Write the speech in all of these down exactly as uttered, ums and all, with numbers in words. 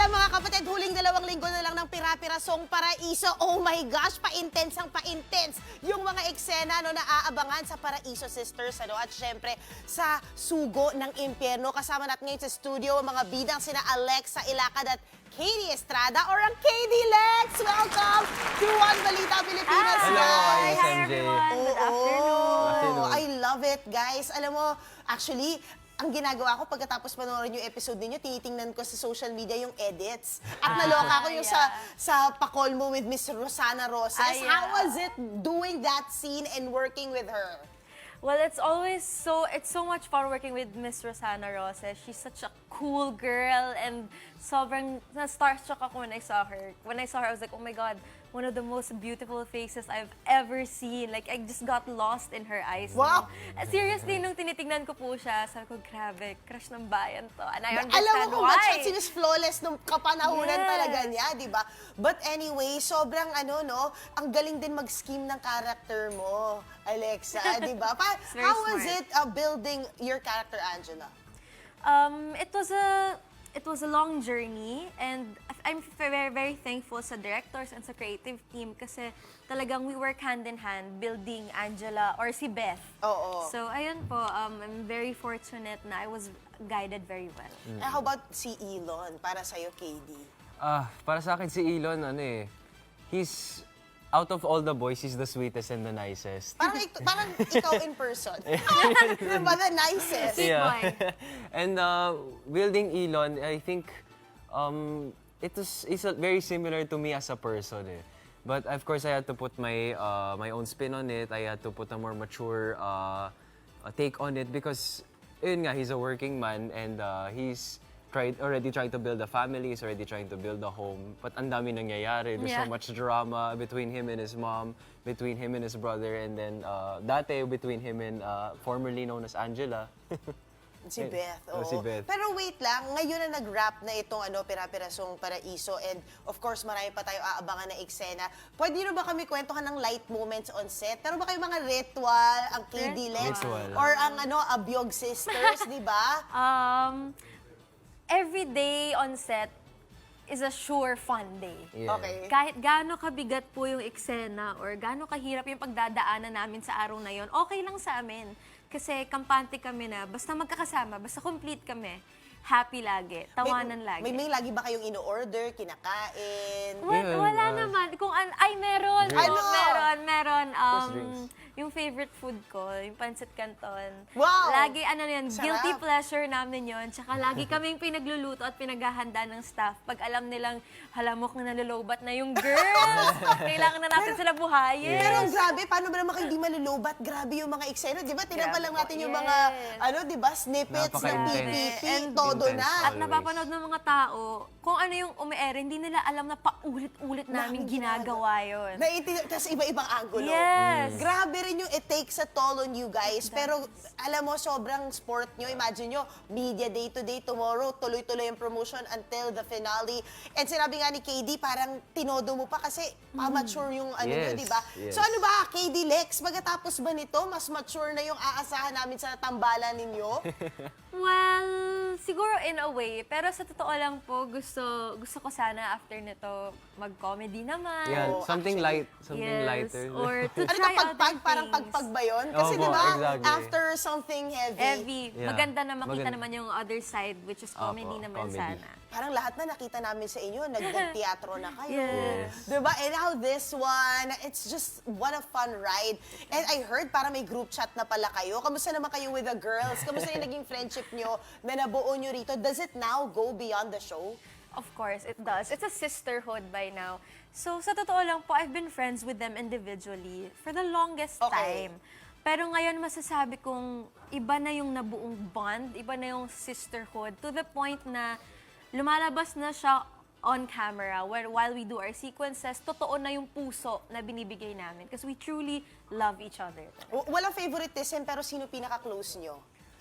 pala mga kapatid, huling dalawang linggo na lang ng Pira-Pirasong Paraiso. Oh my gosh, pa-intense ang pa-intense. Yung mga eksena no, na aabangan sa Paraiso Sisters. Ano, at syempre, sa Sugo ng Impyerno. Kasama natin ngayon sa studio ang mga bidang sina Alexa Ilacad at Katie Estrada or ang K D Lex. Welcome to One Balita Pilipinas, Hello, guys. hi, Hi everyone, good afternoon. afternoon. I love it, guys. Alam mo, actually, ang ginagawa ko pagkatapos panoorin yung episode ninyo, tinitingnan ko sa social media yung edits. At naloka ko yung yeah. sa sa pakol mo with Miss Rosana Roses. Ah, yeah. How was it doing that scene and working with her? Well, it's always so, it's so much fun working with Miss Rosana Roses. She's such a cool girl and sobrang na-starstruck ako when I saw her. When I saw her, I was like, oh my God, one of the most beautiful faces I've ever seen. Like, I just got lost in her eyes. Wow! Uh, Seriously, nung tinitingnan ko po siya, sabi ko, grabe, crush ng bayan to. And I Alam understand mo kung ba't siya why. si Miss Flawless nung kapanahunan Yes. talaga niya, di ba? But anyway, sobrang ano, no, ang galing din mag-scheme ng character mo, Alexa, di ba? Pa- It's very How was smart. it uh, building your character, Angela? Um, it was a it was a long journey and I'm very very thankful sa directors and sa creative team kasi talagang we work hand in hand building Angela or si Beth. Oo. So ayun po, um, I'm very fortunate na I was guided very well. Eh, how about si Elon, para sa'yo, K D? Ah, para sa akin si Elon, ano eh, he's, out of all the boys, he's the sweetest and the nicest. Parang, ik- parang ikaw in person. Diba, the nicest? Sweet boy. And uh, building Elon, I think um, it was it's a- very similar to me as a person eh. But of course, I had to put my uh, my own spin on it. I had to put a more mature uh, uh, take on it because, yun nga, he's a working man and uh, he's tried already trying to build a family, he's already trying to build a home. But ang dami nangyayari. There's so Yeah. much drama between him and his mom, between him and his brother, and then uh, dati between him and uh, formerly known as Angela. Si Beth, Oh, oo. si Beth. Pero wait lang, ngayon na nag-wrap na itong ano, Pira-Pirasong Paraiso and of course, marami pa tayo aabangan na eksena. Pwede nyo ba kami kwentuhan ng light moments on set? Pero ba kayo mga ritual, ang K D Lex, Ritual. or ang ano, Abyog Sisters, di ba? Um, every day on set is a sure fun day. Yeah. Okay. Kahit gaano kabigat po yung eksena or gaano kahirap yung pagdadaanan namin sa araw na yon, okay lang sa amin. Kasi kampante kami na, basta magkakasama, basta complete kami, happy lagi, tawanan lagi. May, may lagi ba kayong ino-order, kinakain? Wala, Yun, wala uh, naman. Kung an ay, meron. Drinks. Oo, Ano? meron, meron. Um, drinks? yung favorite food ko, yung pancit canton. Wow! Lagi, ano na yun, Sarap. guilty pleasure namin yun. Tsaka lagi kaming pinagluluto at pinaghahanda ng staff. Pag alam nilang, halamok na nalulubat na yung girls. Kailangan na natin sila buhayin. Pero ang grabe, paano ba naman kayo hindi malulubat? Grabe yung mga eksena, di ba? Tinapa Grabe lang po, natin yung yes. mga, ano, di ba, snippets ng P P Napaka-intense. P, And todo intense. na. At napapanood ng mga tao, kung ano yung umi-air, hindi nila alam na paulit-ulit namin Namin ginagawa yun. Naintindihan, tapos iba-ibang angulo. Yes. Grabe rin yung it takes a toll on you guys. Pero alam mo, sobrang sport nyo. Imagine nyo, media day to day, tomorrow, tuloy-tuloy yung promotion until the finale. And sinabi nga ni K D, parang tinodo mo pa kasi pa-mature yung ano nyo, Yes, di ba? yes. So ano ba, K D Lex, pagkatapos ba nito, mas mature na yung aasahan namin sa tambalan ninyo? Well, siguro in a way. Pero sa totoo lang po, gusto gusto ko sana after nito mag-comedy naman. Yeah, Oo, something actually. light, something Yes, lighter. or to Ano to, try pagpag? other Parang things. pagpag ba yun? Kasi Opo, di ba, exactly. after something heavy, Heavy. Yeah. Maganda na makita Maganda. naman yung other side, which is comedy Opo, naman comedy. sana. parang lahat na nakita namin sa inyo, nag-teatro na kayo. Yes. Diba? And now this one, it's just what a fun ride. And I heard para may group chat na pala kayo. Kamusta naman kayo with the girls? Kamusta yung naging friendship nyo na nabuo nyo rito? Does it now go beyond the show? Of course, it does. It's a sisterhood by now. So, sa totoo lang po, I've been friends with them individually for the longest Okay. time. Pero ngayon, masasabi kong iba na yung nabuong bond, iba na yung sisterhood, to the point na lumalabas na siya on camera where while we do our sequences, totoo na yung puso na binibigay namin because we truly love each other. W- Walang favoritism, pero sino pinaka-close nyo?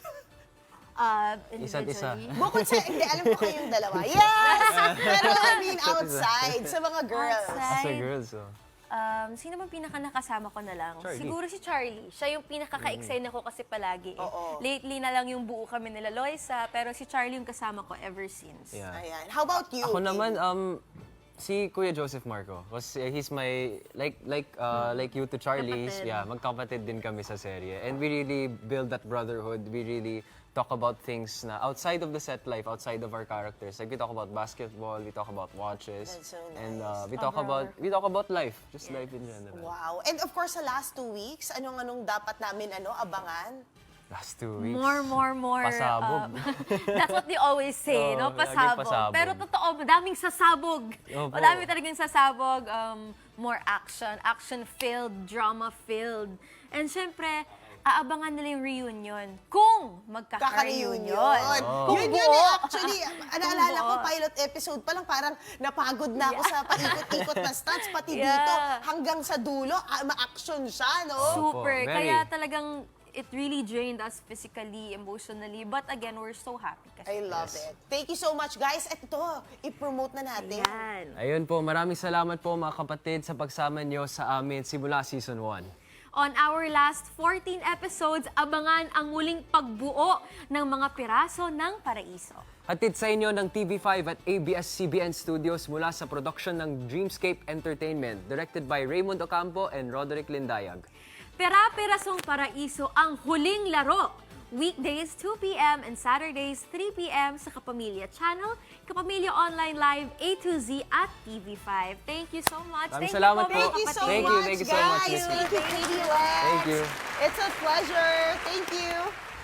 Uh, Isa't isa. individually. Bukod sa, hindi, alam ko kayong dalawa. Yes! Pero I mean, outside, sa mga girls. Outside. As a girl, so. Um, sino bang pinaka nakasama ko na lang? Charlie. Siguro si Charlie. Siya yung pinaka-ka-excite ako kasi palagi. Eh. Oo. Lately na lang yung buo kami nila Loisa, pero si Charlie yung kasama ko ever since. Yeah. Ayan. How about you? Ako Kim? naman, um, si Kuya Joseph Marco. Kasi he's my, like like uh, like you to Charlie, Kapatid. yeah, magkapatid din kami sa serye. And we really build that brotherhood. We really talk about things na outside of the set life, outside of our characters. Like we talk about basketball, we talk about watches. That's so And nice. uh, we talk about we talk about life, just life in general. Wow. And of course, sa last two weeks, anong-anong dapat namin ano abangan? Last two weeks. More, more, more. Pasabog. um, that's what they always say, no? Oo, laging Pasabog. pasabog. Pero totoo, madaming sasabog. Opo. Madami talagang sasabog. Um, more action. Action-filled, drama-filled. And syempre, aabangan nila yung reunion. Kung magkaka-reunion. Kaka-reunion. Kung Yun buo. yun eh. Actually, naalala ko, buo. pilot episode pa lang, parang napagod na ako sa paikot-ikot na stunts. Pati Yeah. dito, hanggang sa dulo, ah, ma-action siya, no? Super. Opo, very. Kaya talagang it really drained us physically, emotionally. But again, we're so happy. Kasi I love it. Thank you so much, guys. At ito, i-promote na natin. yan. Ayun po, maraming salamat po mga kapatid sa pagsama nyo sa amin simula season one. On our last fourteen episodes, abangan ang muling pagbuo ng mga piraso ng Paraiso. Hatid sa inyo ng T V five at A B S C B N Studios mula sa production ng Dreamscape Entertainment, directed by Raymond Ocampo and Roderick Lindayag. Pera-pirasong Paraiso ang huling laro. Weekdays two p m and Saturdays three p m sa Kapamilya Channel, Kapamilya Online Live A to Z at T V five. Thank you so much. Maraming Thank salamat you po. Thank you so Thank you, much, thank you so much, guys. Miss Thank you, Katie Lex. Thank you. It's a pleasure. Thank you.